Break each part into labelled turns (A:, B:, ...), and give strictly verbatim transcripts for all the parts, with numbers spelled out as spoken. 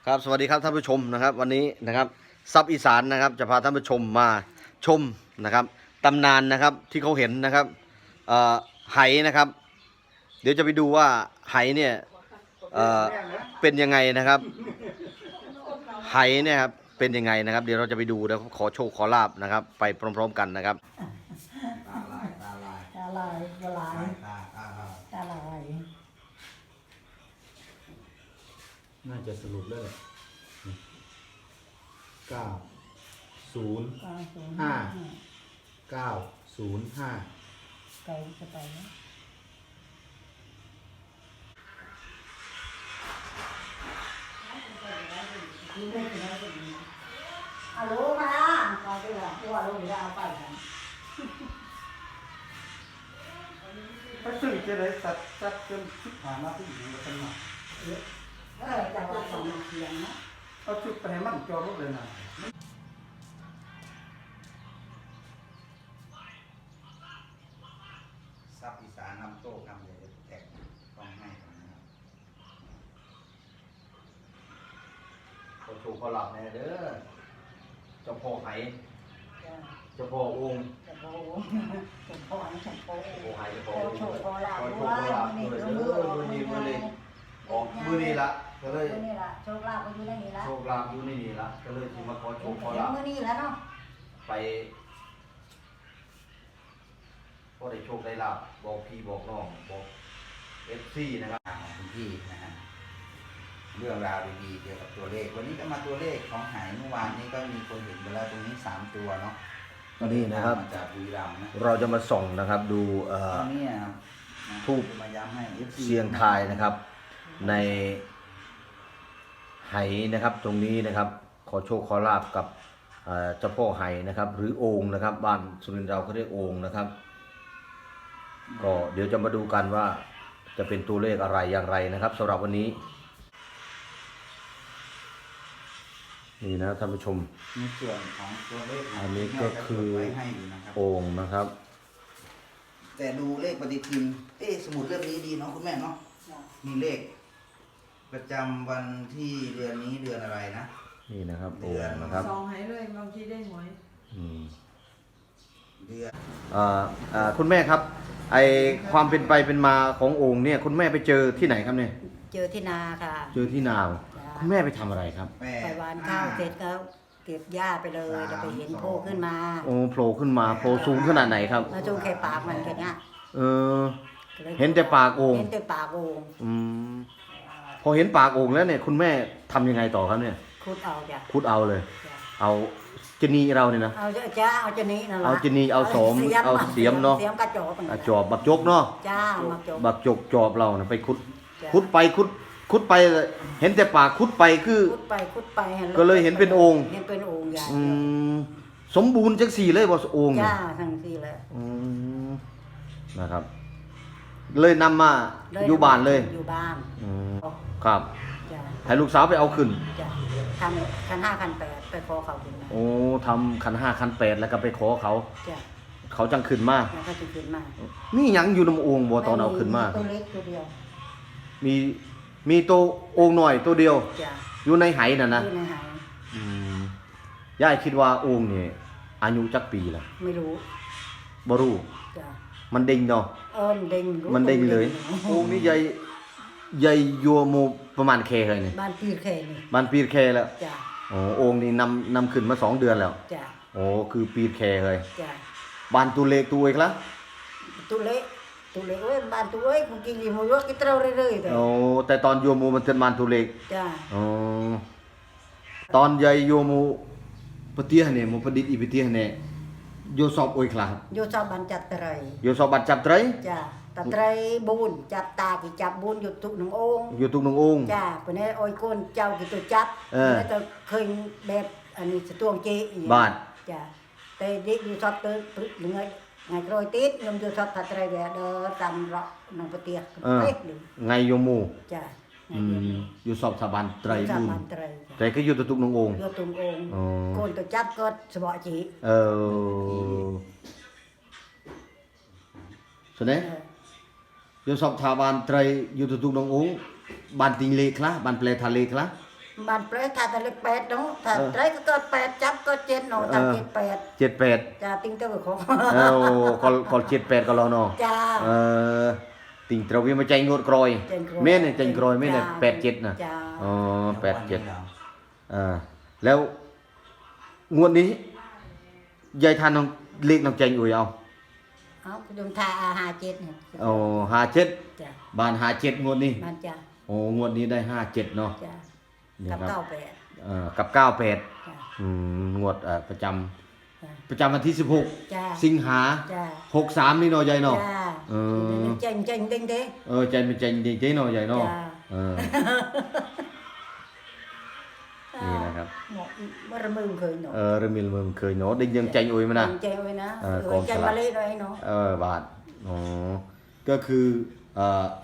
A: ครับสวัสดีครับท่านผู้ชมนะครับวันนี้นะครับซับอีสานนะครับจะพาท่านผู้ชมมาชมนะครับตำนานนะครับที่เขาเห็นนะครับเอ่อไหนะครับ เดี๋ยวจะไปดูว่าไหเนี่ยเอ่อเป็นยังไงนะครับไหเนี่ยครับเป็นยังไงนะครับเดี๋ยวเราจะไปดูแล้วขอโชคขอลาบนะครับไปพร้อมๆกันนะครับ
B: ตาลายตาลาย
C: ตาลายตาลาย
B: ตาตาลาย
C: ตาลาย
B: น่าจะสรุปแล้วแหละเก้าศูนย์
C: เก้าศูนย์
B: ห้า เก้าศูนย์ห้า
C: เก้าจะไปนะฮัลโหลมาเอาไปละตัวลูกจะเอาไปกัน
D: ไปซื้อจะได้สัตว์สัตว์จนชิบหายมาที่อยู่กันมา
C: เออจะว่าสองเสียงนะ
D: เอาชุดไปให้มันจอรถเลยนะ
B: ซับอีสานนำโต๊ะนำเลยแตกต้องให้ก่อนนะครับ
A: ขอโชคขอลาบแน่เด้อเจ้าพ่อไห
C: จ้ะ
A: เจ้าพ่อองค์
C: จะโบจะโบนี่จะโบ
A: เจ้าพ่อไหเจ้า
C: โบ
A: พ่อองค์
C: โชว์โบลา
A: ข
C: บ
A: อโช
C: ด้
A: คว ขอลาบ
C: นี่
A: ด้วย
C: ก็
A: เด้
C: มือ
A: อมือนี้มือนี้ออกมือนี้ละก็เลย
C: มือนี่ละโชคลาบก็อยู่ในนี่ละ
A: โชคลาภอยู่ในนี่ละก็เลยที่มาขอโชคขอลาบ
C: มือนี่แล้วเนาะ
A: ไปก็ได้โชคได้ลาบบอกพี่บอกน้องบอกเอฟซีนะครับ
B: ของคุณพี่นะฮะเรื่องราวดีๆเกี่ยวกับตัวเลข วันนี้ก็มาตัวเลขของหายเมื่อวานนี้ก็มีคนเห็นไปแล้วตรงนี้สามตัวเนาะ
A: นี่นะครับ
B: มาจากบุรีรัมย์นะ
A: เราจะมาส่องนะครับดูเอ่อ
B: ตรงนี้ครับนะ
A: ทูป
B: มาย้ำให้ เอฟ ซี
A: เสียงทายนะครับ ในไหนะครับตรงนี้นะครับ ขอโชคขอลาบกับเอ่อเจ้าพ่อไหนะครับ หรือโองค์นะครับบ้านสุรินทร์เราก็เรียกโองค์นะครับ ก็เดี๋ยวจะมาดูกันว่าจะเป็นตัวเลขอะไรอย่างไรนะครับสำหรับวันนี้ นี่นะท่านผู้ชม
B: ในส่วนของตัวเลข
A: อันนี้ก็คือ
B: ไว้ให้อยู่นะครับ
A: โองค์นะครับ
B: แต่ดูเลขปฏิทิน เอ๊ะสมุดเล่มนี้ดีเนาะคุณแม่เนาะ มีเลข ประจำวันที่เดือนนี้เดือนอะไรนะ
A: นี่นะครับโอ
B: เดือน
A: งค์นะครับ
E: ซองให้เลยบางทีได้หวย
A: อืม
B: เดือน
A: อ่าอ่าคุณแม่ครับไอความเป็นไปเป็นมาของโองค์เนี่ยคุณแม่ไปเจอที่ไหนครับเนี่ย
C: เจอที่นาค่ะ
A: เจอที่นาว
C: จ้ะ
A: คุณแม่ไปทำอะไรครับ
B: แปด
C: ไปหวานข้าวเสร็จก็เก็บหญ้าไปเลย
B: สาม
C: จะไปเห็นโผล่ขึ้นมา
A: โอ้โผล่ขึ้นมาโผล่สูงขนาดไหนครับ
C: แล้วจูงแค่ปากมันแค่เนี้ย
A: เออ เห็นแต่ปากโอ่ง
C: เห็นแต่ปากโอ่ง
A: อืมพอเห็นปากโองค์แล้วเนี่ยคุณแม่ทำยังไงต่อครับเนี่ย
C: คุดเอาจ้ะ
A: คุดเอาเลย
C: จ้ะ
A: เอาจนีเราเนี่ยนะ
C: เอาจ้าเอาจะนี้นั่นละ
A: เอาจะนี้เอาสมเอาเสียมเนาะ
C: เสียมกระจอกมัน
A: อ่ะจอบบักจกเนาะ
C: จ้ามาจบ
A: บักจกจอบเรานะไปคุด
C: จ้ะ
A: คุดไปคุดคุดไปเห็นแต่ปากคุดไปคือ
C: คุดไปคุดไป
A: ก็เลยเห็นเป็นโอ่ง
C: เห็นเป็นโอ่งใหญ่
A: อืมสมบูรณ์จังสี่เลยบ่โองค์เนี่ย
C: จ้าทั้งสี่เลย
A: อืมนะครับ เลยนำมาอยู่บ้านเลย
C: อยู่บ้าน
A: อืมครับ
C: จ้า
A: ให้ลูกสาวไปเอาขึ้น
C: จ้าทำคันห้าคันแปดไปขอเขาขึ้นมา
A: โอ้ทำขันห้าขันแปดแล้วก็ไปขอเขา
C: จ้า
A: เขาจังขึ้นมา
C: แล้วก็จะขึ้นมา
A: มีหยังอยู่ในโองค์บ่ตอนเอาขึ้นมา
C: ตัวเล็กตัวเดียว
A: มีมีตัวโองค์หน่อยตัวเดียว
C: จ้า
A: อยู่ในไหน่ะนะ
C: อยู่ในหาย
A: อืมย่ายคิดว่าโองค์นี่อายุจักปีละ
C: ไม่รู้
A: บ่รู้
C: จ้า
A: มันเด้งเนาะ
C: เอินเด้งรู้
A: มันเด้งเลย โองค์นี่ใหญ่ใหญ่ยัวโมประมาณแคเลยนี่
C: บ้านปีแค่นี่
A: บ้านปีแคแล้ว
C: จ้า
A: โอ้โองค์นี่นำนำขึ้นมาสองเดือนแล้ว
C: จ้า
A: โอ้คือปีแคเลย
C: จ้า
A: บ้านตัวเล็กตัวเอกละ
C: ตัวเล็กตัวเล็กเอ้ยบ้านตัวเอ้ยคงกินอยู่มือว่ากินเต้าเรื่อยๆแต่
A: โอ้แต่ตอนโยมูมันเป็นบ้านตัวเล็ก
C: จ้า
A: อ๋อตอนใหญ่โยมูปะเตียเนี่ยมูประดิษฐ์อีปะเตียเนี่ยโยสอบโอยคลา
C: โยชอบบ้านจัดไตร
A: โยสอบบัตรจับไตร
C: จ้าตะไตรบุญจับตากี่จับบุญอยู่ทุกหนึ่งองค์
A: อยู่ทุกหนึ่งองค์
C: จ้าเป็นไอ้โอ้ยก้นเจ้ากี่ตัวจับ
A: เออ
C: แล้วจะเคยแบบอันนี้สตวงเจอีก
A: บาท
C: จ้าแต่เด็กอยู่ชอบเติร์ดหรือไงไงโรยติดยมอยู่ชอบตะไตรแบบเดินตามเราหนังปะเตีย
A: เออ
C: เป๊กหนึ่ง
A: ไงโยมู
C: จ้า
A: อืมอยู่สอบสาบันไตร
C: จับ
A: บุญ
C: บ้านไตร
A: แต่ก็อยู่ทุกหนึ่งองค์
C: โยตุงองค์
A: อ๋อ
C: ก้นตัวจับก็สบอจี
A: เออสน
C: เอ
A: เนี่ย
C: อ
A: โยสอบสาบันไตรอยู่ทุกหนึ่งองค์บ้านติงเลคละบ้านเปลทะเลคละ
C: บ้านเปรตถ้าแต่เล็กแปดน้องถ้าไรก็เกิดแปดจับก็เจ็ดน้องถ้าเจ็ดแปด
A: เจ็ดแปด
C: จ้าติ้งเต้าของ
A: เออก็ก็เจ็ดแปดก็แล้วเนาะ
C: จ้า
A: เออติ่งตระเวียนมาใจงวดกรอย
C: ใจงวด
A: แม่เนี่ยใจงกรอยแม่เนี่ย
C: จ้า
A: แปดเจ็ดนะ
C: จ้า
A: อ๋อแปดเจ็ดอ่าแล้วงวดนี้ยายทานน้องเล็กน้องใจอุ้ยเอา
C: เอาดมทาอาหาเจ็ดเนี่ย
A: โอ้ห้าเจ็ด
C: จ้า
A: บานห้าเจ็ดงวดนี้
C: มันจ้า
A: โอ้งวดนี้ได้ห้าเจ็ดเนาะ
C: จ้า
A: นี่
C: กับ
A: ครับ
C: เก้าแปด
A: เอ่อกับเก้าแปด
C: จ้า
A: อืมงวดเอ่อประจำ
C: จ้า
A: ประจำวันที่สิบหก
C: จ้า
A: สิงหา
C: จ้า
A: หกสามนี่เนาะยายเนาะ
C: จ้า
A: เออ
C: เจงเจงติ้งเต้
A: เออใจเป็นใจดีใจเนาะยายเนาะ
C: จ้า
A: เออนี่นะครับ
C: หมดบ่ระมึงเคยหนู
A: เออเริ่มมีเริ่มเคยเนาะได้ยังใจอุ้ยมานะ
C: เจงไว้นะ
A: เออ
C: เออก
A: อง
C: ใจ
A: สลาก
C: มาเล่ด้วยเนาะ
A: เออบาทอ๋อก็คือเอ่อ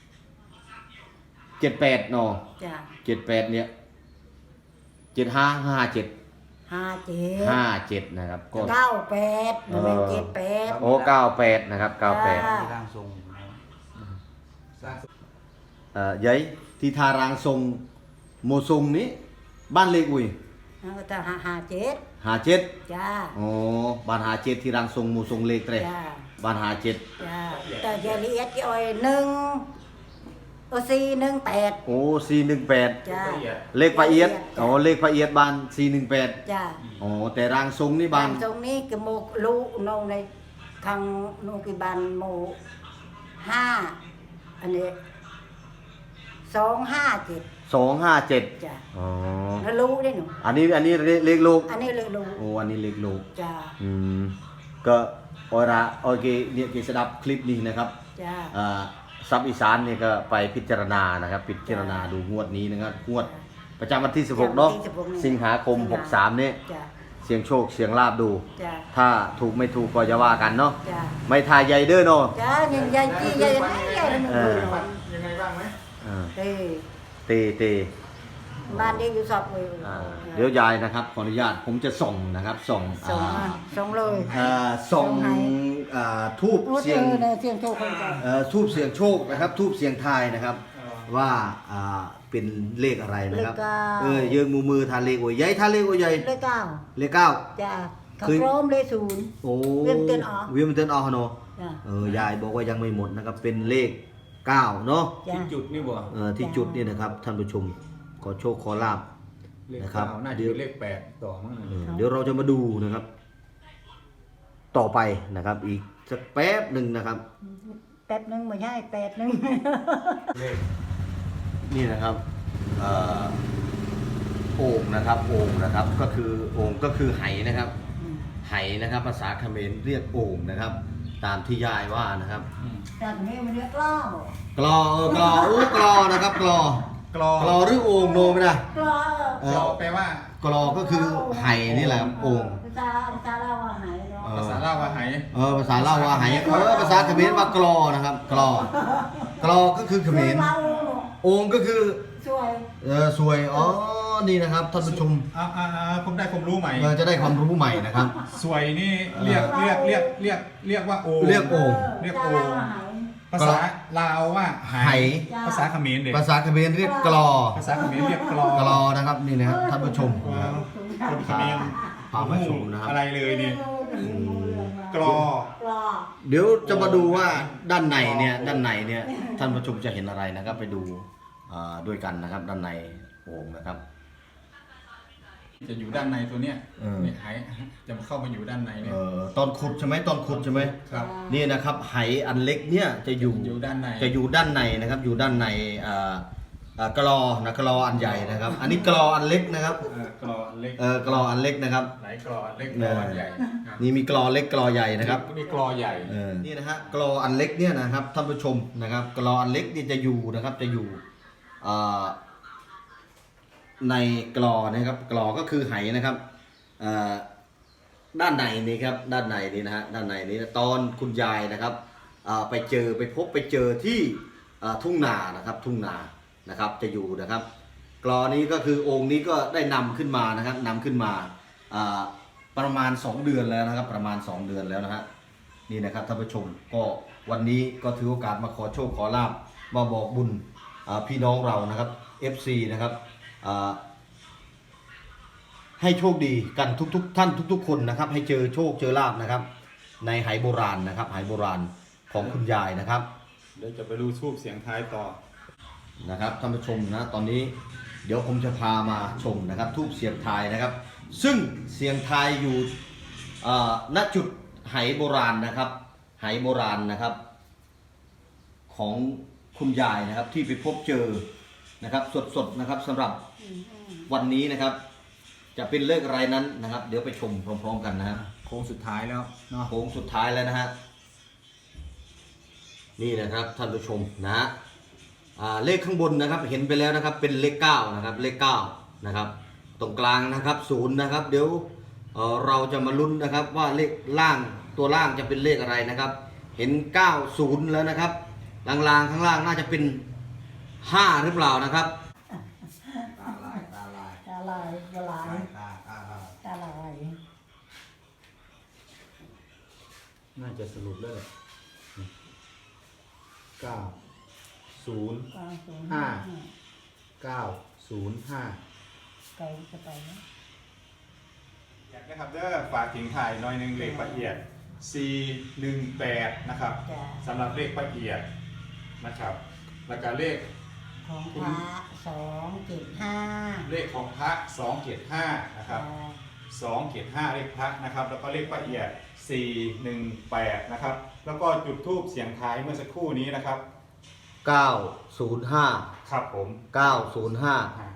A: เจ็ดแปดเนาะ
C: จ้า
A: เจ็ดแปดเนี่ยเจ็ดห้าห้าเจ็ด
C: ห้าเจ็ด
A: ห้าเจ็ดนะครับก็
C: เก้าแปดหนึ่งเจ็ดแปด
A: โอ้เก้าแปดนะครับเก้าแปด
C: จ้า
B: ที่ร่างทรงสร้าง
A: เอ่อยัยที่ทารางทรงโมทรงนี้บ้านเล็กอุ้ย
C: แล้วก็จะหาหาเจ็ด
A: หาเจ็ด
C: จ้า
A: อ๋อบ้านหาเจ็ดที่รางทรงโมทรงเล็กเตร
C: จ้า
A: บ้านหาเจ็ด
C: จ้าแต่จะละเอียดกี่อ้อยหนึ่งโอซีหนึ่งแปด
A: โอ้สี่หนึ่งแปด
C: จ้า
A: เลขละเอียดอ๋อเลขละเอียดบ้านสี่หนึ่งแปด
C: จ้า
A: อ๋อแต่รางทรงนี่บ้า
C: บาน นตรงนี้ก็โมลูนงในทางโนกิบานโมห้าอันนี้สองห้าเจ็ด
A: สองห้าเจ็ด
C: จ้า
A: อ๋อ
C: แล้วรู้ได้หนู
A: อันนี้อันนี้เลขลูก
C: อันนี้เลยรู้
A: โอ้อันนี้เลขลูก
C: จ้า
A: อืมก็ออระโอเคเนี่ยเกสดับคลิปนี้นะครับ
C: จ้า
A: อ่าซับอีสานเนี่ยก็ไปพิจารณานะครับพิจารณาดูงวดนี้นะครับงวดประจำวันที่สิบหกเนาะสิงหาคมหกสามเนี่ย
C: จ้า
A: เสียงโชคเสียงลาบดู
C: จ้า
A: ถ้าถูกไม่ถูกก็จะว่ากันเนาะ
C: จ้า
A: ไม่ทายใหญ่เด้อเนาะ
C: จ้ายังยายจี้ยายไหนยายมันรู้
D: ยังไงบ้างไหม
A: อ่า
C: เฮ้ย
A: เตเต
C: บ้านเด็กอยู่สอบเลย
A: อ่าเดี๋ยวยายนะครับขออนุญาตผมจะส่งนะครับส่ง
C: ส่ง
A: อ่า
C: มาส่งเลย
A: อ่าส่ง
C: ส่งให้
A: อ่าทูบ
C: โอ้
A: เสี
C: เจ
A: ยง
C: อเลยเสียงโชคคนใจ
A: เอ่อทูบเสียงโชคนะครับทูบเสียงทายนะครับ ว่าอ่าเป็นเลขอะไรนะครับเออเยิงมือมือทานเลขโอ้ยใหญ่ทานเลขโอ้ยใหญ่
C: เลขเก้า
A: เลขเก้า
C: จ้าเขา
A: คือ
C: พร้อมเลขศูนย์
A: โอ้
C: เวียนเตือนออก
A: เวียนเตือนออกเนาะ
C: จ้า
A: เออยายบอกว่ายังไม่หมดนะครับเป็นเลขเก้าเนาะ
C: จ้า
D: จุดนี่บ่
A: เอ่อที่จุดนี่นะครับท่านผู้ชมขอโชคขอลาบ
D: เลข
A: นะครับ
D: เก้าน่าจะ
A: เดี๋ยว
D: เป็นเลขแปดต่อมั้ง
A: เออเดี๋ยวเราจะมาดูนะครับ ต่อไปนะครับ อีกสักแป๊บหนึ่งนะครับ
C: แป๊บหนึงไม่ใช่แปดหนึง
D: เลข
A: นี่นะครับเอ่อโอ่งนะครับโอ่งนะครับก็คือโอ่งก็คือไหนะครับ ไหนะครับภาษาเขมรเรียกโอ่งนะครับ ตามที่ยายว่านะครับ
C: จากนี้มันเรียกล้อก
A: ลอเออกลออู้กลอนะครับกลอก
D: ลอก
A: ลอหรือโอ่งโนไม่ได้
C: กล้อ
A: เอก
D: ล
A: อ
D: อแปลว่า
A: กลอก็คือไหนี่แหละครับโอ่ง
C: ภาษาภาษาเราว่าหายเนาะ
A: เออ
D: ภาษาลาวว่าไห
A: เออภาษาเล่าว่าไหเออภาษาเขมรว่ากลอนะครับ กลอกลอก็คือเขมร
C: เรา
A: โอ่งก็คือ
C: ช่วย
A: เออสวยอ๋อนี่นะครับท่านผู้ชม
D: อ่าอ่าอ่าผมได้ความรู้ใหม่
A: เราจะได้ความรู้ใหม่นะครับ
D: สวยนี่เรียกเรียกเรียกเรียกเรียกว่าโอ
A: เรียกโอ่ง
D: เรียกโอ่ง ภาษาลาวว่าไห
A: ไห
D: ภาษาเขมรเด็ก
A: ภาษาเขมรเรียกกลอ
D: ภาษาเขมรเรียกกลอก
A: ลอนะครับนี่นะครับท่านผู้ชมนะครับ
D: คนเขมร
A: พามาชมนะครับ
D: อะไรเลยนี่กลอ
C: กล้อ
A: เดี๋ยวจะมาดูว่าด้านในเนี่ยด้านในเนี่ยท่านผู้ชมจะเห็นอะไรนะครับ ไปดูอ่าด้วยกันนะครับ ด้านในโอ่งนะครับ
D: จะอยู่ด้านในตัวเนี้ย
A: เออ
D: เนี่ยไหจะเข้ามาอยู่ด้านในเนี่ย
A: เอ่อตอนขุดใช่ไหมตอนขุดใช่ไหม
D: ครับ
A: นี่นะครับไหอันเล็กเนี่ยจะอยู่
D: อยู่ด้านใน
A: จะอยู่ด้านในนะครับ อยู่ด้านในอ่าอ่ากลอนะกลออันใหญ่นะครับ อันนี้กลออันเล็กนะครับ
D: เออกลออันเล็ก
A: เออกลออันเล็กนะครับ
D: ไหนกลออันเล็กกลออันใหญ่ครับ
A: นี่มีกลอเล็กกลอใหญ่นะครับ
D: มีกลอใหญ่
A: เออนี่นะฮะกลออันเล็กเนี่ยนะครับท่านผู้ชมนะครับกลออันเล็กเนี่ยจะอยู่นะครับจะอยู่อ่าในกลอนะครับกลอก็คือไหนะครับอ่าด้านในนี่ครับด้านในนี่นะฮะด้านในนี้ตอนคุณยายนะครับอ่าไปเจอไปพบไปเจอที่อ่าทุ่งนานะครับทุ่งนานะครับจะอยู่นะครับ กลอนี้ก็คือองค์นี้ก็ได้นำขึ้นมานะครับนำขึ้นมาอ่าประมาณสองเดือนแล้วนะครับ ประมาณสองเดือนแล้วนะฮะ นี่นะครับท่านผู้ชมก็วันนี้ก็ถือโอกาสมาขอโชคขอลาบมาบอกบุญอ่าพี่น้องเรานะครับ เอฟ ซี นะครับอ่าให้โชคดีกันทุกๆท่านทุก ๆ คนนะครับ ให้เจอโชคเจอลาภนะครับ ในไหโบราณนะครับไหโบราณของคุณยายนะครับ
F: เดี๋ยวจะไปดูทูบเสียงท้ายต่อ
A: นะครับท่านผู้ชมนะตอนนี้เดี๋ยวผมจะพามาชมนะครับทูบเสียงทายนะครับ ซึ่งเสียงทายอยู่อ่าณจุดไหโบราณนะครับไหโบราณนะครับ ของคุณยายนะครับที่ไปพบเจอนะครับสดๆนะครับสำหรับวันนี้นะครับ จะเป็นเลขอะไรนั้นนะครับ เดี๋ยวไปชมพร้อมๆกันนะครับ
F: โค้งสุดท้ายแล้วเนาะ
A: โค้งสุดท้ายแล้วนะฮะนี่นะครับท่านผู้ชมนะฮะอ่าเลขข้างบนนะครับเห็นไปแล้วนะครับเป็นเลขเก้านะครับเลขเก้านะครับตรงกลางนะครับศูนย์นะครับเดี๋ยวเอ่อเราจะมาลุ้นนะครับว่าเลขล่างตัวล่างจะเป็นเลขอะไรนะครับ เห็นเก้าศูนย์แล้วนะครับล่างๆข้างล่างน่าจะเป็นห้าหรือเปล่านะครับ
B: ตาลายตาลาย
C: ตาลายตาลาย
B: ตาตาลาย
C: ตาลาย
F: น่าจะสรุปแล้วแหละเก้าศูนย์
C: เก้าศูนย์
F: ห้า เก้าศูนย์ห้า
C: เก้าจะไปนะ
F: อยากนะครับเด้อฝากทิ้งถ่ายหน้อยหนึงเลขละเอียด สี่หนึ่งแปด นะครับ
C: จ้ะ
F: สำหรับเลขละเอียดนะครับ แล้วก็เลข
C: ของพระสองเจ็ดห้า
F: เลขของพระสองเจ็ดห้านะครับสองเจ็ดห้าเลขพระนะครับ แล้วก็เลขละเอียด สี่หนึ่งแปด นะครับ แล้วก็จุดธูปเสียงท้ายเมื่อสักครู่นี้นะครับ
A: เก้าศูนย์ห้า
F: ครับผม
A: เก้าศูนย์ห้า
F: อ่า